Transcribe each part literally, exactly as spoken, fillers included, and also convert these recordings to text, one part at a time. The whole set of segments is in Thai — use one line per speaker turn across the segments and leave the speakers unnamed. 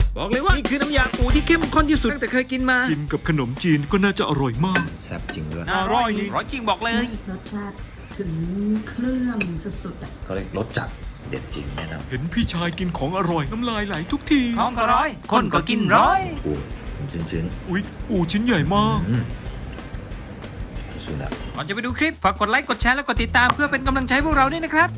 บอกเลยว่านี่คือน้ำยาปูที่เข้มข้นที่สุดตั้งแต่เคยกินมา
กินกับขนมจีนก็น่าจะอร่อยมาก
แซ่บจริงด้วย
อร่อยอร่อยจริงบอกเลย
รสชาติถึงเครื่องสุดๆอ่ะ
เขาเรียกรสจัดเด็ดจริงแน่นอน
เห็นพี่ชายกินของอร่อยน้ำลายไหลทุกที
ท้องก็ร้อย คนก็กินร้อย
ปูชื้น
อุ๊ยปูชิ้นใหญ่มาก
ๆอืมสุดอะ
ก่อนจะไปดูคลิปฝากกดไลค์กดแชร์และกดติดตามเพื่อเป็นกำลังใจพวกเราด้วยนะครับ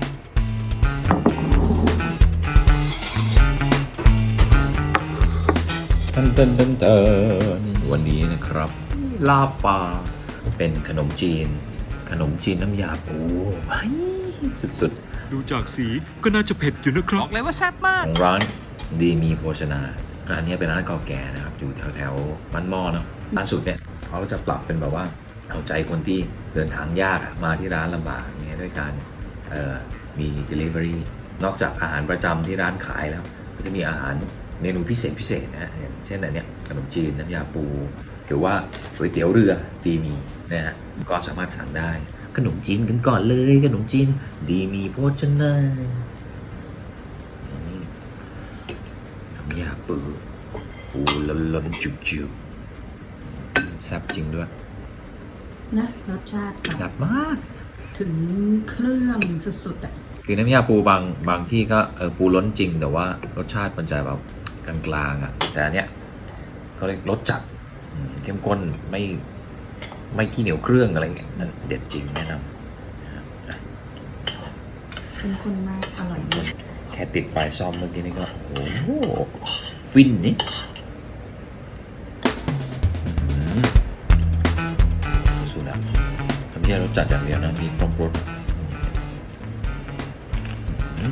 ตันตันตันตันวันนี้นะครับลาบปลาเป็นขนมจีน ขนมจีนน้ำยาปูไอ้สุด
ดูจากสีก็น่าจะเผ็ดอยู่นะค
บ
รั
อบ กเลยว่าแซ่บมา
ๆ
ก
ของร้านดีมีโภชนาร้านนี้เป็นร้านเก่าแก่นะครับอยู่แถวแถวๆบ้านหม้อเนาะล่าสุดเนี่ยเขาจะปรับเป็นแบบว่าเอาใจคนที่เดินทางยากอะมาที่ร้านลำบากเนี่ยด้วยการเอ่อมี delivery นอกจากอาหารประจำที่ร้านขายแล้ว ก็จะมีอาหารเมนูพิเศษพิเศษนะฮะอย่างเช่นอันเนี้ยขนมจีนน้ำยาปู หรือว่าก๋วยเตี๋ยวเรือดีมีนะฮะก็สามารถสั่งได้ขนมจีนกันก่อนเลยขนมจีนดีมีโภชนานี่น้ำยาปูปูล้นๆจุบๆแซ่บจริงด้วย
นะรสชาติแบบ
แซ่บมาก
ถึงเครื่องสุดๆอ่ะ
คือน้ำยาปูบางบางที่ก็เออปูล้นจริงแต่ว่ารสชาติมันจะแบบกลางๆอ่ะแต่อันเนี้ยเขาเรียกรสจัดอืมเข้มข้นไม่ไม่ขี้เหนียวเครื่องอะไรเงี้ยเด็ดจริงแนะนำ
เข้มข้นมากอร่อยมาก
แค่ติดปลายซ่อมเมื่อกี้นี่ก็โอ้โหฟินนี่อื้อหือสุดอะทำแค่รสจัดอย่างเดียวนะมีครบรสอื้อหือ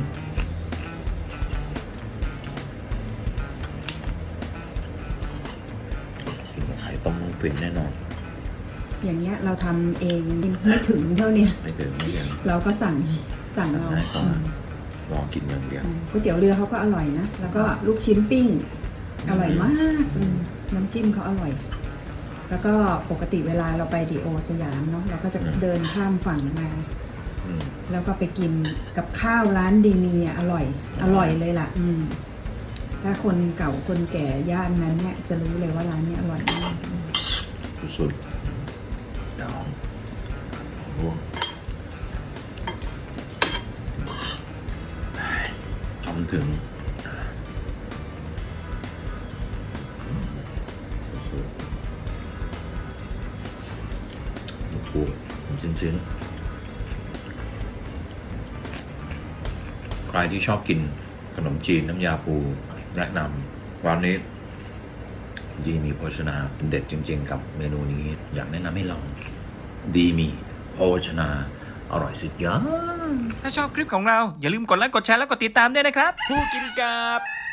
กินกับไข่ต้มฟินแน่นอน
อย่างเงี้ยเราทำเองไม่ถึงเท่าเนี้ย
ไม่เดินไม่เดิน
เราก็สั่งสั่งเอา
ได้ก่อน
อืม
ลองกินอย่างเดียว
อืมก๋วยเตี๋ยวเรือเขาก็อร่อยนะ แล้วก็ลูกชิ้นปิ้ง อร่อยมากอืมน้ำจิ้มเขาอร่อย แล้วก็ปกติเวลาเราไปดีโอสยามเนาะเราก็จะเดินข้ามฝั่งมา
อืม
แล้วก็ไปกินกับข้าวร้านดีมีอ่ะอร่อย อร่อยเลยล่ะ อืมถ้าคนเก่าคนแก่ย่านนั้นเนี่ยจะรู้เลยว่าร้านเนี้ยอร่อยมาก
สุดๆดองร่วงทำถึงสุดๆลูกปูชิ้นๆใครที่ชอบกินขนมจีนน้ำยาปูแนะนำร้านนี้ดีมีโภชนาเป็นเด็ดจริงๆกับเมนูนี้อยากแนะนำให้ลอง ดีมีโภชนาอร่อยสุดยอด
ถ้าชอบคลิปของเราอย่าลืมกดไลค์กดแชร์และกดติดตามด้วยนะครับ ผู้กินกับ